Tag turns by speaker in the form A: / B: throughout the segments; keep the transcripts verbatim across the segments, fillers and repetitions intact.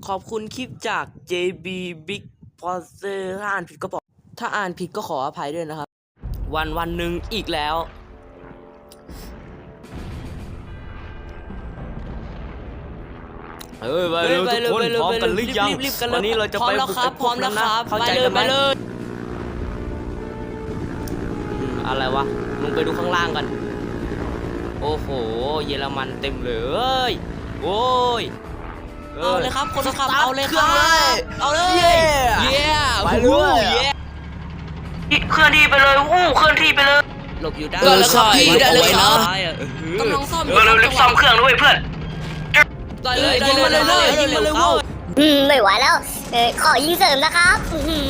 A: ขอบคุณคลิปจาก เจ บี Big Poster ถ้าอ่านผิดก็บอกถ้าอ่านผิดก็ขออภัยด้วยนะครับ วันวันหนึ่งอีกแล้วเอ้ยไปเร็วทุกคนพร้อมกันหรือยังวันนี้เราจะไปบุกพร้อมแล้วครับเข้าใจกันไหมอะไรวะลงไปดูข้างล่างกันโอ้โหเยอรมันเต็มเลยโอ้ยเอาเลยครับคนขับเอาเลยครับเอาเลยเย้ไปเลยเคลื่อนที่ไปเลยอู้เคลื่อนที่ไปเลยหลบอยู่ด้านแล้วครับพี่ได้เลยนะกำลังซ่อมเออเร็วซ่อมเครื่องด้วยเพื่อนได้เลยได้เลยได้เลยยิงมาเลยเว้ย
B: อืมไม่ไหวแล้วเออขอยิงเสริมนะครับ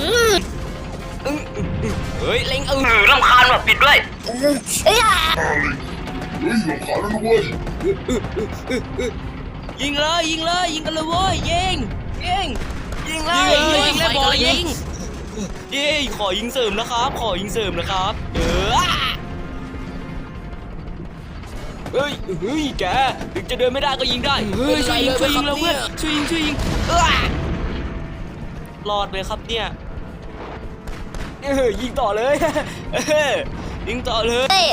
A: เฮ้ยเล็งเออรำคาญแบบปิดด้วย
B: เอ้ย
C: เฮ้ยรำคาญแล้วด้วย
A: ยิงเลยยิงเลยยิงกันเลยเว้ยยิงยิงยิงเลยยิงเลยบอยิงเย้ขอยิงเสริมนะครับขอยิงเสริมนะครับเออเฮ้ยเฮ้ยแกถึงจะเดินไม่ได้ก็ยิงได้เฮ้ยช่วยยิงช่วยยิงแล้วเพื่อนช่วยยิงช่วยยิงเออรอดเลยครับเนี่ยเออยิงต่อเลยยิงต่อเลย
B: เอ้ย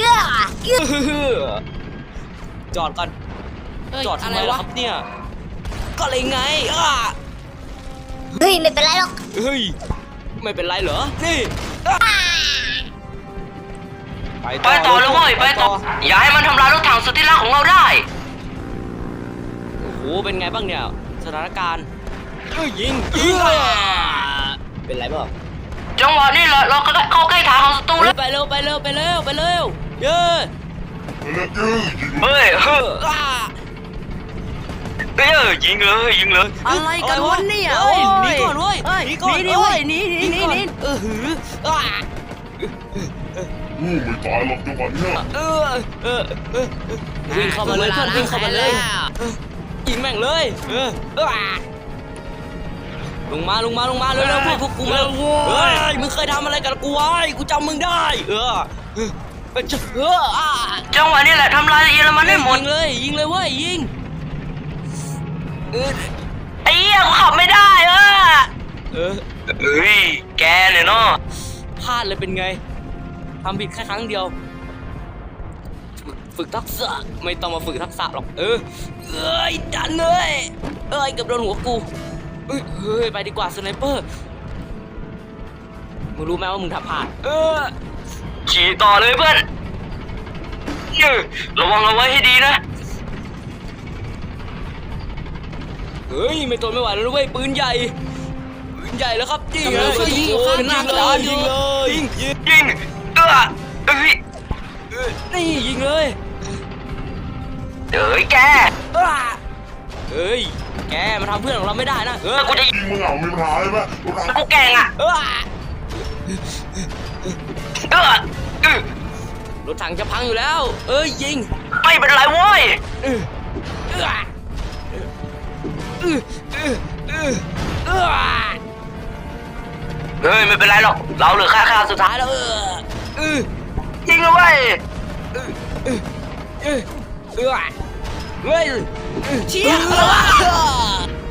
A: จอดก่อนจอดทำไมวะครับเนี่ยก็เลยไงอ่ะ
B: เฮ้ยไม่เป็นไรหรอก
A: เฮ้ยไม่เป็นไรเหรอนี่
D: ไปต่อเลยเว้ยไปต่ออย่าให้มันทำลายรถถังสุดที่รักของเราได้
A: โอ้โหเป็นไงบ้างเนี่ยสถานการณ์เอ้ยยิงยิงเป็นไรบ้าง
D: จังหวะนี้แหละเราเข้าใกล้ฐานของศัตรูแล้ว
A: ไปเร็วไปเร็วไปเร็วไปเร็วเย้
D: เฮ้ยเฮ้ยเอ้ยยิงเลยยิงเลย
A: อะไรกันวะเนี่ยโอ้ยหนีก่อนเว้ยหนีก่อนเว้ยหนีหนีหนีหนีเออหืออ่า
C: อู้ไม่ตายหรอกจังหวะนี้
A: เออเออเออวิ่งเข้ามาเลยเพื่อนวิ่งเข้ามาเลยยิงแม่งเลยเออลงมาลงมาลงมาเร็วๆพวกพวกกูมาเฮ้ยมึงเคยทำอะไรกับกูไว้กูจำมึงได้เออเออ
D: จังหวะนี้แหละทำลายเยอรมันได้หมด
A: ยิงเลยยิงเลยเว้ยยิง
D: ไอ้เหี้ยกูขับไม่ได้เออเออเฮ้ยแกเนี่ยเนาะ
A: พลาดเลยเป็นไงทำผิดแค่ครั้งเดียวฝึกทักษะไม่ต้องมาฝึกทักษะหรอกเออเอ้ยดันเลยเอ้ยเกือบโดนหัวกูเฮ้ยเฮ้ยไปดีกว่าสไนเปอร์มึงรู้ไหมว่ามึงทำพลาดเออ
D: ขี่ต่อเลยเพื่อนระวังเอาไว้ให้ดีนะ
A: เฮ้ยไม่ทนไม่ไหวแล้วเว้ยปืนใหญ่ปืนใหญ่แล้วครับยิงเลยยิงข้างหน้าเลยยิงเลยยิง
D: ยิงเออเฮ้ย
A: นี่ยิงเลย
D: เฮ้ยแก
A: เฮ้ยแกมาทำเพื่อนของเราไม่ได้นะ
D: เออกูจะยิง
C: มึงเอาไม่พายไหม
D: กูแกงอ่ะเออเออ
A: รถถังจะพังอยู่แล้วเอ้ยยิง
D: ไม่เป็นไรเว้ย
A: เออเออเออเออเออเออ
D: เฮ้ยไม่เป็นไรหรอกเราเหลือค่าค่าสุดท้ายแล้วเออ
A: เออ
D: ยิงเลยเว้ย
A: เออเออเออเออเฮ้ยเชี่ย